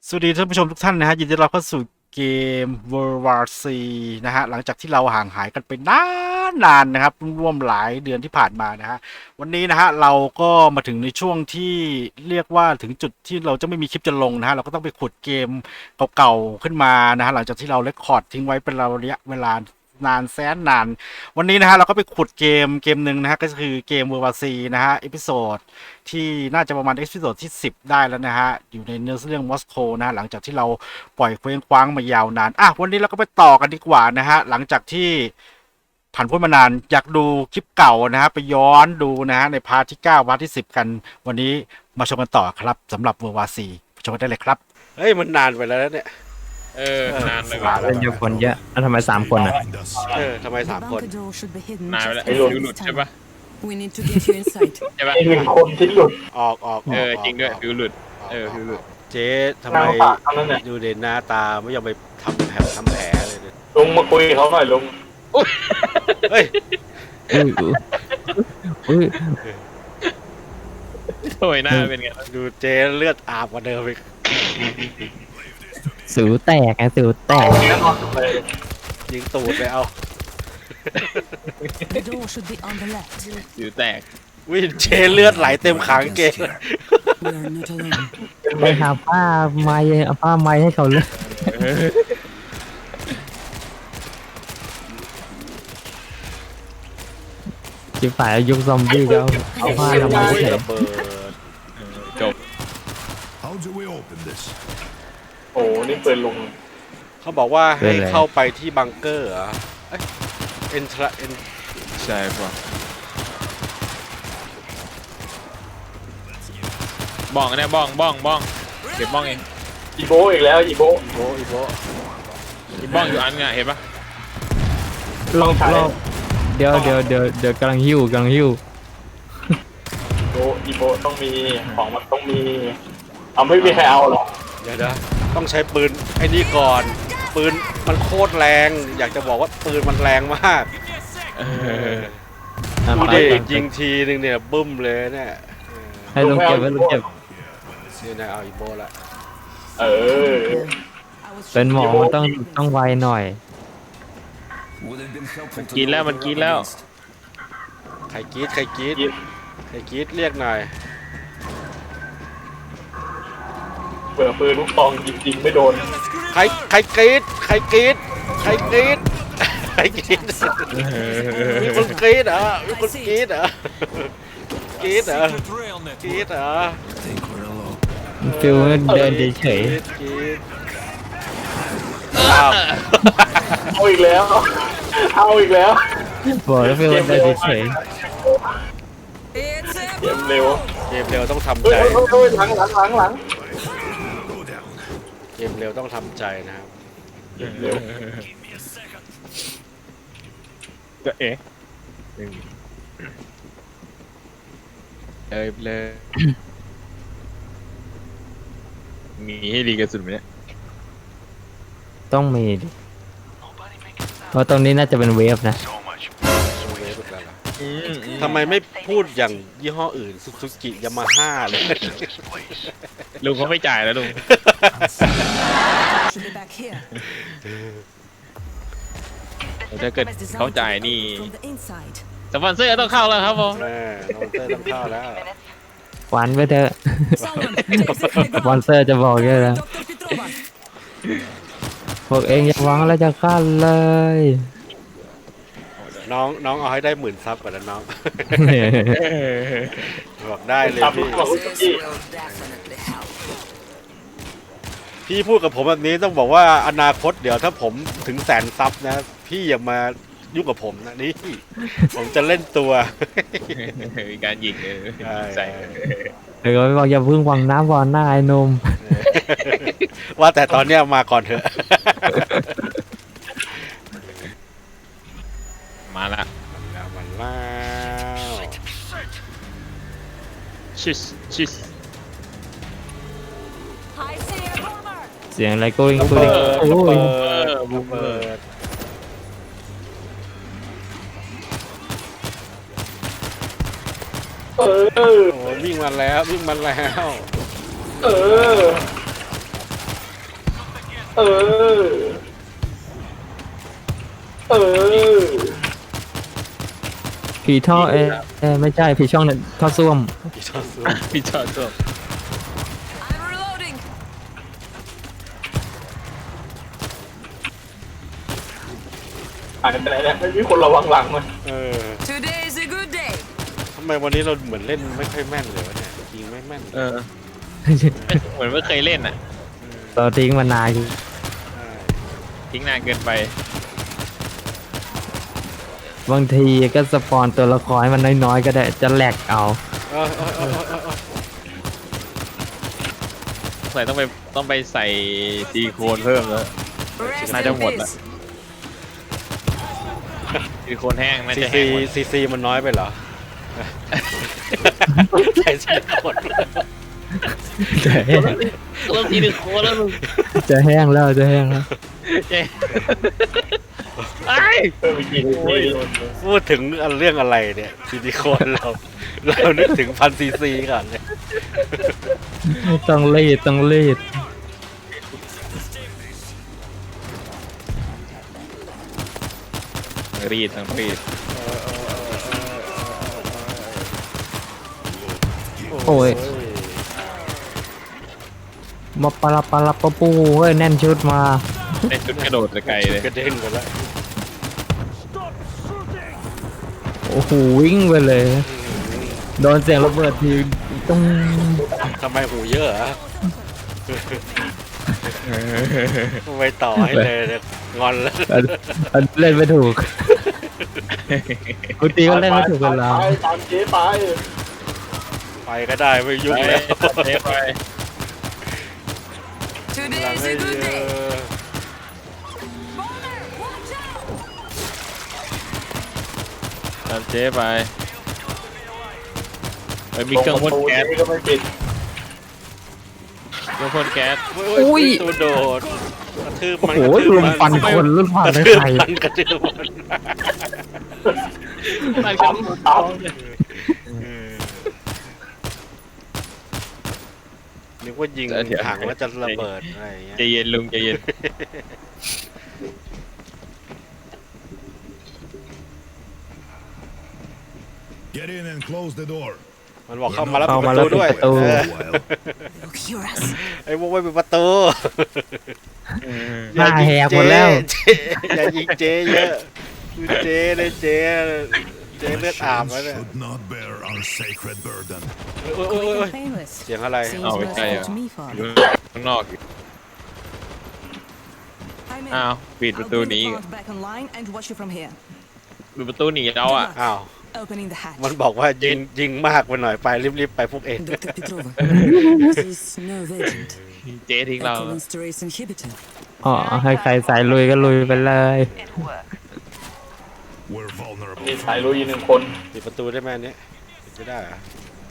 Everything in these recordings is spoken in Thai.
สวัสดีท่านผู้ชมทุกท่านนะฮะยินดีต้อนรับเข้าสู่เกม World War C นะฮะหลังจากที่เราห่างหายกันไปนานนะครับร่วมหลายเดือนที่ผ่านมานะฮะวันนี้นะฮะเราก็มาถึงในช่วงที่เรียกว่าถึงจุดที่เราจะไม่มีคลิปจะลงนะฮะเราก็ต้องไปขุดเกมเก่าๆขึ้นมานะฮะหลังจากที่เราเรคคอร์ดทิ้งไว้เป็นระยะเวลานานแสนนานวันนี้นะฮะเราก็ไปขุดเกมหนึ่งนะฮะก็คือเกม World War C นะฮะเอพิโซดที่น่าจะประมาณเอพิโซดที่10ได้แล้วนะฮะอยู่ในเนื้อเรื่องมอสโกนะฮะหลังจากที่เราปล่อยเคว้งคว้างมายาวนานวันนี้เราก็ไปต่อกันดีกว่านะฮะหลังจากที่ผ่านพ้นมานานอยากดูคลิปเก่านะฮะไปย้อนดูนะฮะในพาร์ทที่9พาร์ทที่10กันวันนี้มาชมกันต่อครับสำหรับ World War C ชมกันได้เลยครับเฮ้ยมันนานไปแล้วเนี่ยนานเลยว่ะว่ะเล่นเยอะคนเยอะแล้วทำไม3 คนอ่ะทำไม3 คนนานไปแล้วดูหลุดใช่ปะ We need to get you inside. ใช่ปะอีกหนึ่งคนที่หลุดออกจริงด้วยดูหลุดดูหลุดเจ๊ทำไมนางปากเท่านั้นเนี่ยดูเด่นหน้าตาไม่ยอมไปทำแผลเลยเนี่ยลุงมาคุยกับเขาหน่อยลุงเฮ้ยอุ้ยอุ้ยโอ้ยหน้าเป็นไงดูเจ๊เลือดอาบกว่าเดิมอีกสิวแตกไงสิวแตกแน่นอนเลยยิงตูดเลยเอา The door should be on the left. สิวแตกวิ่งเจ๊เลือดไหลเต็มขางเกง We are not alone. ไปหาผ้าไม้เอาผ้าไม้ให้เขาเลยจิบฝ่ายยุคซอมบี้ก็เอาผ้าทำไมให้ระเบิดจบ How do we open this? โอ้นี่ปืนลุงเขาบอกว่าให้เข้าไปที่บังเกอร์เหรอเอ็นทราเอ็นใช่ปะบ้องเนี่ยบ้องเก็บบ้องเองอีโบอีกแล้วอีโบอีโบมีบ้องอยู่อันไงเห็นปะรอบเดี๋ยวกำลังหิ้วอีโบต้องมีของมันต้องมีเอาไม่มีใครเอาหรอกเดี๋ยวนะต้องใช้ปืนไอ้นี่ก่อน ปืนมันโคตรแรง อยากจะบอกว่าปืนมันแรงมากดูดิยิงทีนึงเนี่ยบึ้มเลยเนี่ยให้ลงเก็บไว้ลงเก็บนี่นะเอาอีโบละเออ I was เป็นหมอมันต้องไวหน่อยกินแล้วมันกินแล้วใครกรีดเรียกหน่อยเปิดปืนลูกซองยิงไม่โดนใครกรีดมีคนกรีดเหรอมีคนกรีดเหรอกรีดเหรอฟิลเดินเฉยกรีดอ้าวเอาอีกแล้วๆบอกแล้วฟิลเดินเฉย It's เกมเร็วเกมเร็วต้องทำเฮ้ใจยหลัง Go down. เกมเร็วต้องทำใจนะครับเร็วก็เลยมีให้ดีกระสุนไหมเนี่ยๆต้องมีดิเพราะตรงนี้น่าจะเป็นเวฟนะทำไมไม่พูดอย่างยี่ห้ออื่นซูซูกิยามาฮ่าเลยลุงเขาไม่จ่ายแล้วลุง should be back here. ถ้าเกิด Designed เขา to จ่าย open นี่ from the inside. สปอนเซอร์ต้องเข้าแล้วครับผมแม่น้องเต้ยต้องเข้าแล้วหวานไปเถอะ Someone, take สปอนเซอร์จะบอกแค่แล้ว Dr. Petrova. พวกเองอย่าหวังแล้วจะขั้นเลยน้องเอาให้ได้10,000 ซับก่อนนะน้อง บอกได้เลยตามลูพี่กซองพี่พี่พูดกับผมแบบนี้ต้องบอกว่าอนาคตเดี๋ยวถ้าผมถึง100,000 ซับนะ พี่อย่ามายุ่งกับผมนะนี่ ผมจะเล่นตัวมีการยิงใส่เดี๋ยวไปบอกอย่าพึ่งวังน้ำวอนหน้าไอ้หนมว่าแต่ตอนเนี้ยมาก่อนเถอะมาละมันแล้วชิสเสียงอะไรกูริงกูริงโอ้ยระเบิดเออโอ้วิ่งมาแล้วเออเออ เออผีท่อไม่ใช่ผีช่องเนี่ยท่อส้วมอีชอบซื้อพี่จอดตัว I'm reloading. หายไปไหนเนี่ยไม่มีคนระวังหลังมันเออ Today is a good day. ทำไมวันนี้เราเหมือนเล่นไม่ค่อยแม่นเลยวะเนี่ยยิงไม่แม่นเออเหมือนไม่เคยเล่นอ่ะเราทิ้งมานานอยู่ใช่ทิ้งนานเกินไปบางทีก็สปอนตัวละครให้มันน้อยๆก็ได้จะแหลกเอาเออเออเออเออเออใส่ต้องไปใส่ซีโคนเพิ่มแล้ว Rest Nãy trong in một peace. ซีโคนแห้งน่าซีจะซีแห้งหมดซีซีมันน้อยไปเหรอใส่ซีคนจะแห้งเริ่มซีโคนแล้วมึงจะแห้งแล้วจะแห้งแล้วเจ๊ไอ้เออไปกินนี่พูดถึงเรื่องอะไรเนี่ยซิลิโคนเรานึกถึง1000 cc ก่อนเลยต้องรีดต้องรีดรีดทั้งรีดโอ้ยมาปลาปลาปะปูเฮ้ยแน่นชุดมาเล่นจุดกระโดดไกลเลยกระเด้งไปแล้วโอ้โหวิ่งไปเลย โดนเสียงระเบิดทีต้องทำไมหูเยอะอะไม่ต่อให้เลยเนี่ยงอนแล้วอันเล่นไม่ถูกกูตีก็เล่นไม่ถูกเวลาไปตามเจ๊ไปไปก็ได้ไม่ยุ่งไปแล้วเจ๊ไป Today หลัง is ให้ a good เย day. อะ Bomber, watch out. ตามเจ๊ไปมีเครื่องพ่นแก๊สนี่ก็ไม่ปิดเครื่องพ่นแก๊สอุ้ยตัวโดดกระทืบโอ้มันโหกระทืบลุมฟันคนลุมฟันกระได้ทืบใครมันกระทืบมันมันก็ตามนึกว่ายิงถังแล้วจะระเบิดอะไรอย่างเงี้ยใจเย็นลุงใจเย็น Get in and close the door. มันบอกเข้ามาแล้วเข้าปิดมาประแล้วตูปิดด้วยประตูเออ Look, hear us. ไอ้พวกไม่ปิดประตูหน้าแหกหมดแล้วอย่ายิงเจ๊เยอะคือเจ๊เลยเจ๊เลือดอาบแล้ว Machines เนี่ย should not bear our sacred burden. โอ้ยโอ้ยโอ้ย Painless. เสียงอะไร Seems เอาไม่ใช่ merciful อ่ะ to me, อยู่ Father. ข้างนอกอยู่ I'm in. อ้าวปิด I'll ประตู bring ห the นี plant back online and watch you from here. ปิดประตูหนีเราอ่ะอ้าว Opening the hatch. มันบอกว่ายิงมากไปหน่อยไปรีบๆไปพวกเอง Dr. Petrova. This is nerve agent. เจ๊ทิ้งเรา Cholinesterase inhibitor. อ๋อให้ใครสายลุยก็ลุยไปเลย We're vulnerable. มีสายลุยหนึ่งคนปิดประตูได้ไหมอันนี้ปิดไม่ได้เหรอ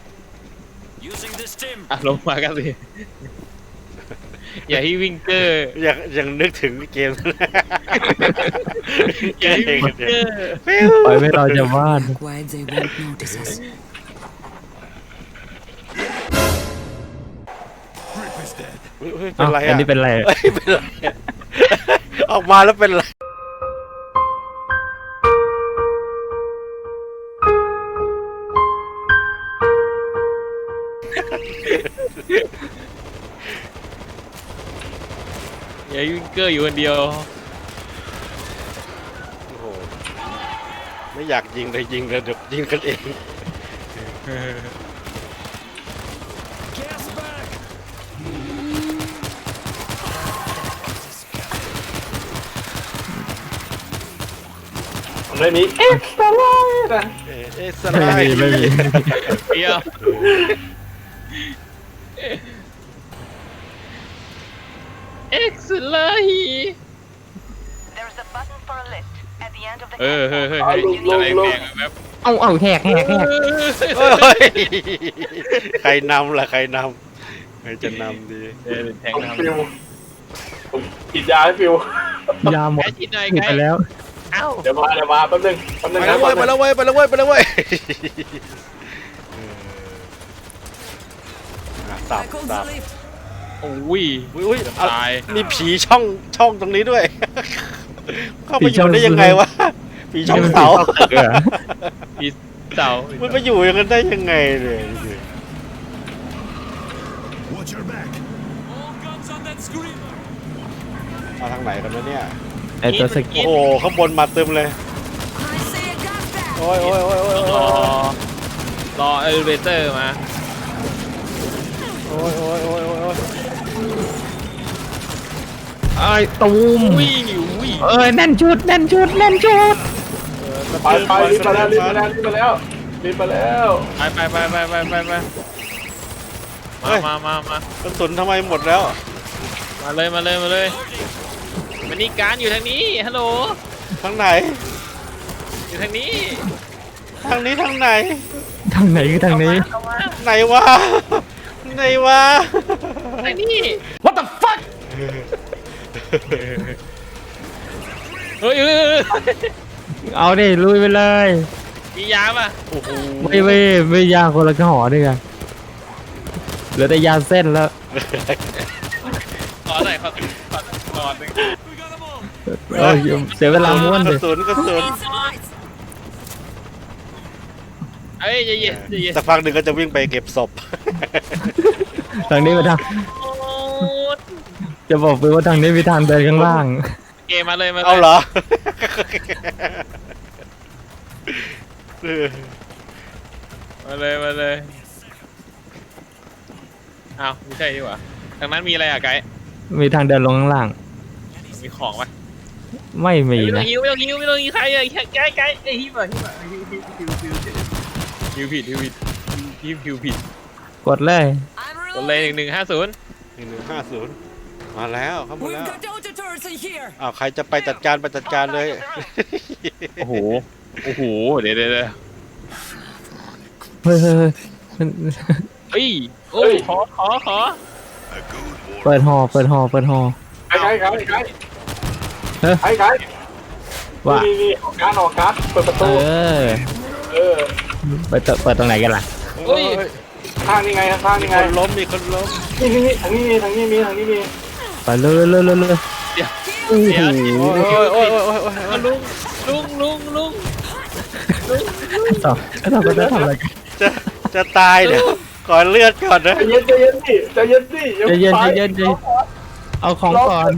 อ่ะลงมากันสิ อย่าให้วิ่งเกอร์ยังนึกถึงเกมอย่าให้วิ่งเกอร์ปล่อยไม่รอจะวาด Quiet, they won't notice us. Grip is dead. เฮ้ยเป็นไรอัอ่ะนนี้เป็นไรเฮ้ยเป็นไรอะออกมาแล้วเป็นไรอย่าให้วิ่งเกอร์อยู่คนเดียวโอ้โหไม่อยากยิงเลยยิงเลยเดี๋ยวยิงกันเองผมเลยนี้เอ็กซ์ตร้าไลน์นะสไลไม่มีด์ไม่มีเดียวเอ็กซ์ไลท์ There's a button for a lift at the end of the เฮ้ยอะไรแพงแบบเอาแหกเฮ้ยใครนำล่ะใครนำใครจะนำดีแพงผมทำฟิวผมฉีดยาให้ฟิวยาหมดแค่ชิ้นไหนผิดไงไปแล้วเอ้าเดี๋ยวมาแป๊บนึงไปนะแล้วเว้ยไปแล้วเว้ยไปแล้วเว้ยไปแล้วเว้ยสับ I called สับ the lift. โอ้ยอุ้ยตายมีผีช่องตรงนี้ด้วย เข้าไปอยู่ได้ยังไงวะผีช่องเสาพีเสามันไปอยู่อย่างนั้นได้ยังไงเลย Watch your back. มาทางไหนกันวะเนี่ยไอตัวสกิโอ้โหข้างบนมาเต็มเลย I say a gas back. โอ้ยโอ้ยโอ้ยโอ้ยรอเอลิเวเตอร์มาโอ้ยโอ้ยโอ้ยโอ้ยไอตูมวิ่งอยู่วิ่งเอ้ยแน่นชุดแน่นชุดแน่นชุดไปรีบมาแล้วรีบมาแล้วรีบมาแล้วรีบมาแล้วไปมากระสุนทำไมหมดแล้วมาเลยมันนี่การอยู่ทางนี้ฮัลโหลทางไหนอยู่ทางนี้ทางนี้ทางไหนทางไหนคือทางนี้เข้ามาไหนวะไหนวะทางนี้ What the fuck เฮ้ยเอาดิลุยไปเลยมียาป่ะโอ้โหไม่ยาคนละกระหอด้วยกันเหลือแต่ยาเส้นแล้วขอหน่อยขอหนึ่งเอ้ยเสียเวลาม้วนกเลระยสุนกระสุนเอ้ยใจเย็นสักพักหนึ่งก็จะวิ่งไปเก็บศพทางนี้ไปทางจะบอกไปว่าทางนี้มีทางเดินข้างล่างเกมมาเลยเอาเหรอมาเลยอ้าวไม่ใช่ดีกว่าทางนั้นมีอะไรอ่ะไกด์มีทางเดินลงข้างล่างมีของปะไม่มีไม่ต้อนะงหิวใครอ่ะไกด์ไอ้หิวผิดกดเลย I'm กดเลย reloading. 1150มาแล้วเข้ามา We've แล้ว got auto turrets in here. อ้าวใครจะไปจัดการไปจัดการเลยโอ้โหเดี๋ยวเฮ้ยเฮ้ยโอ้ยขอ A good war. เปิดหอเปิดหอเปิดหอไกด์ไกด์ว่านี่ออกการ์ดเปิดประเอตูอเออเปิดตรงไหนกันล่ะเฮ้ยข้างนี่ไงข้างมีนี่คไงนล้มมีคนล้มนี่ทางนี้มีทางนี้มีไปเลยเดี๋ยวโอ้ยโอ้ยโอ้ยโอ้ยโอ้ยโอ้ยลุงสองก็จะทำอะไรกันจะตายเดี๋ยวก่อนเลือดก่อนนะใจเย็นดิใจเย็นดิใจเย็นเอาของก่อน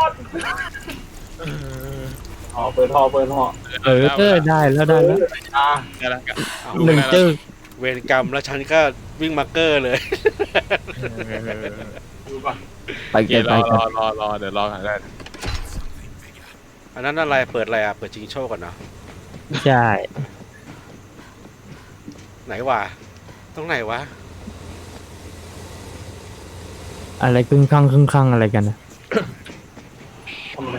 เปิดหอเออได้แล้วได้แล้วกันหนึ่งจึ๊กเวรกรรมแล้วฉันก็วิ่งมาเกอร์เลยดูก่อนไปเกิเดี๋ยนวไปกันรอเดี๋ยวรอกันได้อันนั้นอะไรเปิดอะไรอ่ะเปิดชิงโชคก่อนเนาะใช่ไหนวะตรงไหนวะอะไรครึ่งข้างอะไรกันนะทำอะไร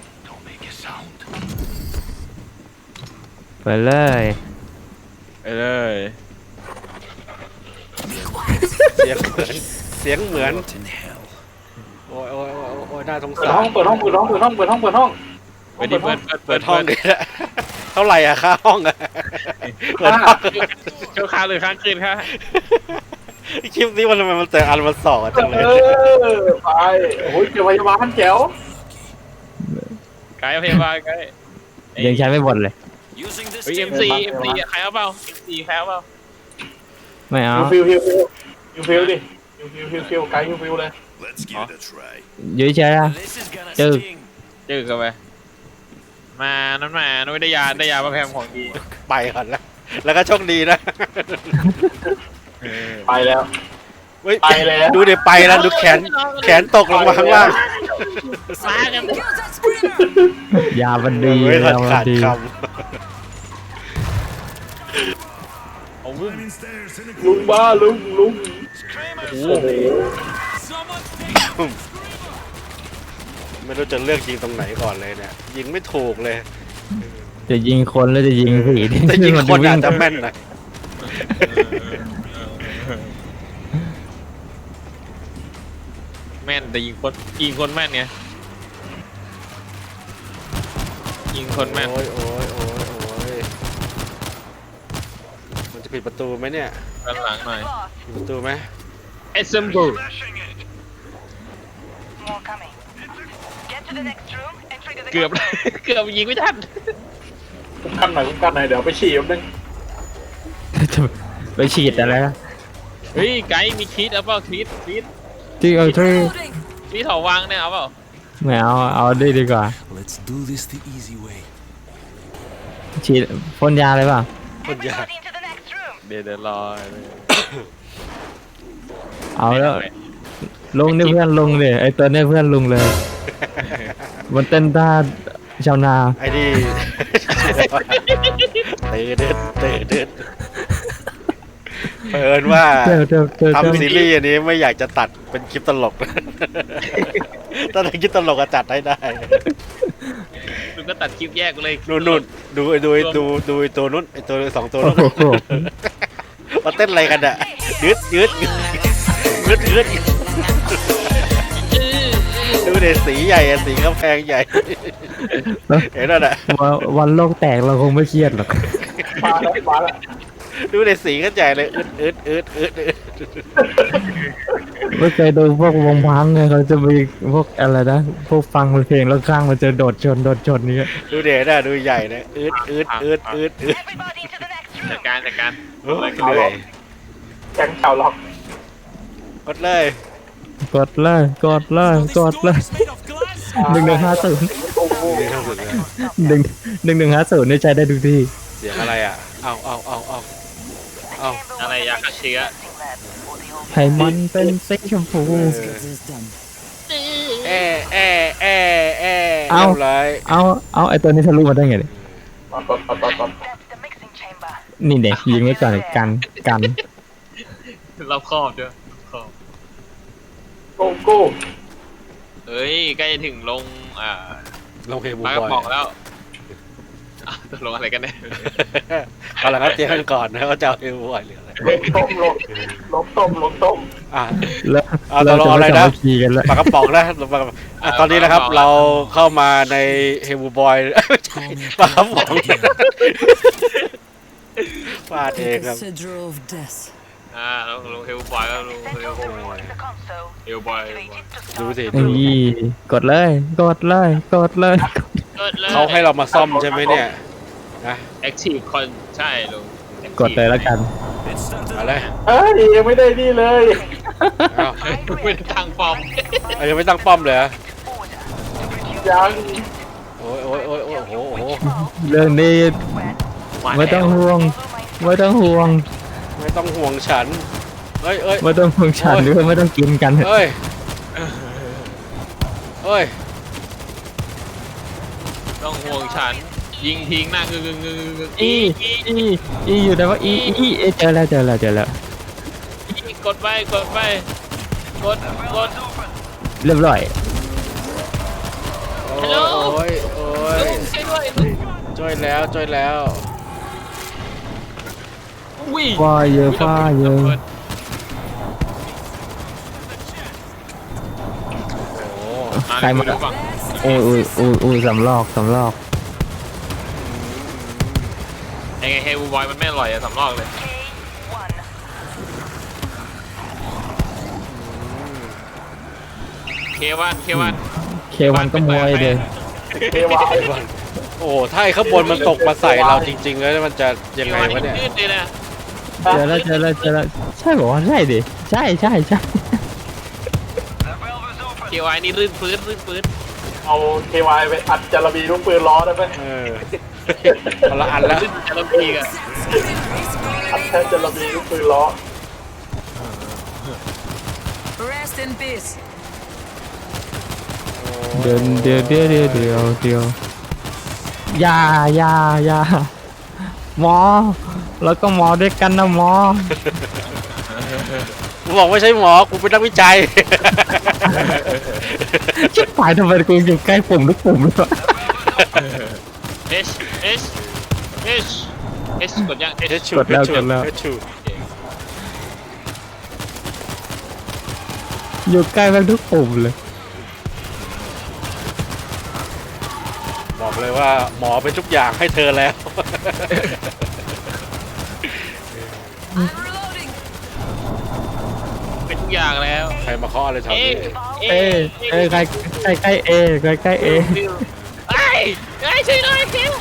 ไปเลยไปเลยเสียงเหมือนโอ้ยโอ้ยโอ้ยโอ้ยน่าสงเปิดสารห้องเปิดห้องไปดิเปิดห้องเลยเท่าไหร่อะค่าห้องอะเปิดห้องเช้าค้างเลยค้างคืนค่ะคลิปนี้มันทำไมมันแต่อันมันสอดจังเลยไปโอ้ยเจอพยาบาลแจ๋วไกด์พยาบาลไกด์ยังใช้ไม่หมดเลยเฮ้ย MC ใครเอาเปล่า MC ใครเอาเปล่าไม่เอาฟิวดิฟิวไกด์ฟิวเลย Let's give it a try. ยื้อใช่อะจึ๊กจืดกันไปมานั่นมาไม่ได้ยามาแพมของดีไปก่อนแล้วก็โชคดีนะไปแล้วเฮ้ยไปแล้วดูเดี๋ยวไปแล้วดูแขนตกลงมาข้างล่างมากัน Kill that screamer. ยาบันดีไม่ทันยาบัขาดนดีคโอ้วิ่ง Climbing stairs in a ลุงบ้าลุงโอ้โอ้โหำไม่รู้จะเลือกยิงตรงไหนก่อนเลยเนี่ยยิงไม่ถูกเลยจะยิงคนแล้วจะยิงผีแต่ยิงคนอาจจะแม่นหน่อยแม่นแต่ยิงคนแม่นไงยิงคนแม่นโอ้ยโอ้ยโอ้ยโอ้ยมันจะปิดประตูไหมเนี่ยด้านหลังหน่อยปิดประตูไหม Assemble more coming. Get to the next room and trigger the เกือบ เกือบยิงไม่ทันคุ้มกันหน่อยคุ้มกันหน่อยเดี๋ยวไปฉี่แป๊บนึงไปฉีดอะไรนะเฮ้ยไกด์มีคิดเอาเปล่าคิดที่เอาที่ Reloading. มีถอวางเนี่ยเอาเปล่าไม่เอาดีดีกว่า Let's do this the easy way. ฉีดพ่นยาเลยเปล่ะคนยาก Everybody into the next room. เดี๋ยวรอเอาแล้วลุงนี่เพื่อนลุงเลยไอตัวนี้เพื่อนลุงเลย มันเต้นท่าชาวนาไอ้นี่ เตะเด็ดเปิดว่าเจ้าทำซีรีส์อันนี้ไม่อยากจะตัดเป็นคลิปตลก ถ้าเป็นคลิปตลกก็จัดให้ได้มึงก็ตัดคลิปแยกเลยนู่นดูไอ้ตัวนู้นไอ้ตัวสองตัวนู้นโอ้โหมาเต้นอะไรกันอ่ะยืดดูเด็สีใหญ่อะสีกำแพงใหญ่ เห็นแล้วน่ะวันโลกแตกเราคงไม่เครียดหรอกมาแล้วมาแล้วดูเด็สีกันใหญ่เลยอึดไม่เคยดูพวกวงพังไงเขาจะมีพวกอะไรนะพวกฟังเพลงแล้วข้างมันจะโดดชนนี้ดูเด็น่ะดูใหญ่นะอึด Everybody to the next จัด room. การโอ้ยเหนื่อยแก๊งชาวล็อกกดเลยกดเลย1150 1150นี่ใช้ได้ทุกที่เสียงอะไรอ่ะเอาอะไรยาฆ่าเชื้อให้มันเป็นสีชมพู This done. เอาเลยเอาไอตัวนี้ทะลุมาได้ไงเนี่ยปั๊บ That's the mixing chamber. นี่เด็กยิงไว้ก่อนกันรอบครอบด้วยครอบโก้เฮ้ยใกล้จะถึงลงลงเฮบูปลากระบอยป๋องแล้วอ่ะตกลงอะไรกันเนี่ยเอาละครับเจ๊กันก่อนนะเขาจะเอาเฮบูบอยหรืออะไรลบต้มอ่ะแล้วเอาเราเราจะเอาอะไรไม่นะสามัคคีกันแล้วปากกระป๋องนะปากกระป๋องอ่ะตอนนี้นะครับเราเข้ามาในเฮบูบอยไม่ใช่ปากกระป๋องฟาดเองครับ Cedro of death. ลงเฮลบอยแล้วลง Send เฮล over report to the console. เฮลบอย Activate it to ดู start สินี่กดเลยเขาให้เรามาซ่อมใช่ไหมเนี่ยนะแอคทีฟคอนใช่ลงกดเลยแล้วกันเอาเลยเอ้ยยังไม่ได้นี่เลยเอาไม่ได้ตั้งฟอร์มเอายังไม่ตั้งป้อมเลยเหรอยังโอ้ยโอ้โหเรื่องนี้ไม่ต้องห่วงไม่ต้องห่วงฉันเอ้ยไม่ต้องห่วงฉันหรือไม่ต้องกินกันเอ้ยต้องห่วงฉัน ยิงทิ้งหน้างึงอีอยู่แต่ว่าเจอแล้วกดไปกดเรียบร้อยโอ้ยใช่ด้วยช่วยแล้ววิ่งฟ้าเยอะโอ้ใครมาโอ้ยสำลอกยังไงเฮลบอยมันไม่อร่อยอะสำรอกเลย K1. เควันเควันก็มวยเลยเทวายโอ้ถ้าไอ้ข้างบนมันตกมาใส่เราจริงๆแล้วมันจะยังไงวะเนี่ยยืดเลยนะเจอแล้วใช่บอกว่าใช่ดิใช่เควายนี่รื่นฟื้นเอาเทวายไปอัดจารบีลูกปืนล้อได้ไหมคนละอันแล้วรื่นจะลำพีกันอัดแค่จารบีลูกปืนล้อ Rest in peace. เดี๋ยวอย่าหมอแล้วก็หมอด้วยกันนะหมอกูบอกไม่ใช่หมอกูเป็นนักวิจัยชิบหายทำไมกูอยู่ใกล้ปุ่มทุกปุ่มเลยวะ H กดยัง H ชูอยู่ใกล้แม่งทุกปุ่มเลยบอกเลยว่าหมอเป็นทุกอย่างให้เธอแล้ว I'm reloading. เป็นอย่างแล้วใครมาเคาะอะไรแถวเอ๊ะนี้เอใกล้ใกล้เอใกล้ใกล้เอไอ้ช่วยหน่อยคิว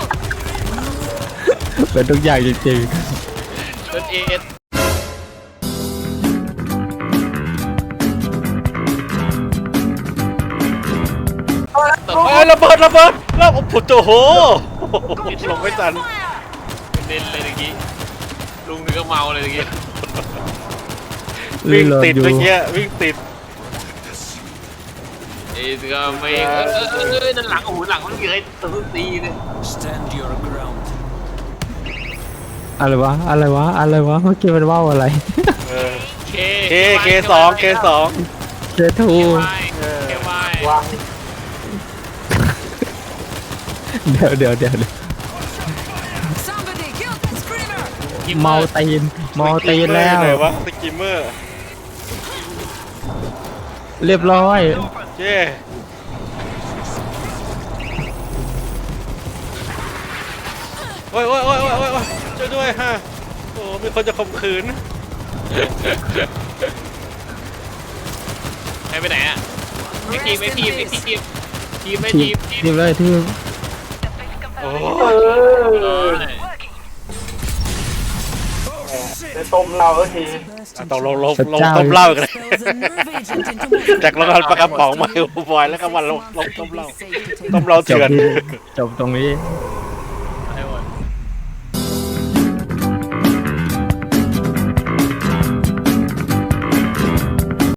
เป็นทุกอย่างจริงรถเอ็ดเฮ้ยระเบิดแล้วโอ้โหลงไม่ทันเล่นเลยเมื่อกี้ลุงนี่ก็เมาเลยเมื่อกี้ๆวิ่งโหลติดอยู่เมื่อกี้วิ่งติดไอ้ก็ไม่นั่นหลังโอ้โหหลังมันเยอะตัวตีเลย Stand your ground. อะไรวะเมื่อกี้มันว่าวอะไรเออเค K2 เจทูเควายวางเดี๋ยว Somebody kill that screamer! เมาตีนแล้วไหนวะสกิมเมอร์เรียบร้อยเจ้โอ้ยช่วยด้วยฮะโอ้มีคนจะข่มขืนไปไหนอ่ะไม่ทีมทีมเลยทีมโอ้ได้ต้มเราสักทีต้องลงต้มเหล้ากันเลย Spells a nerve agent into movement. จากโรงงานปลากระป๋องมาบอยแล้วก็มาลงต้มเหล้า Safe to take ต้มเหล้าจบเถื่อนจบตรงนี้ Reloading.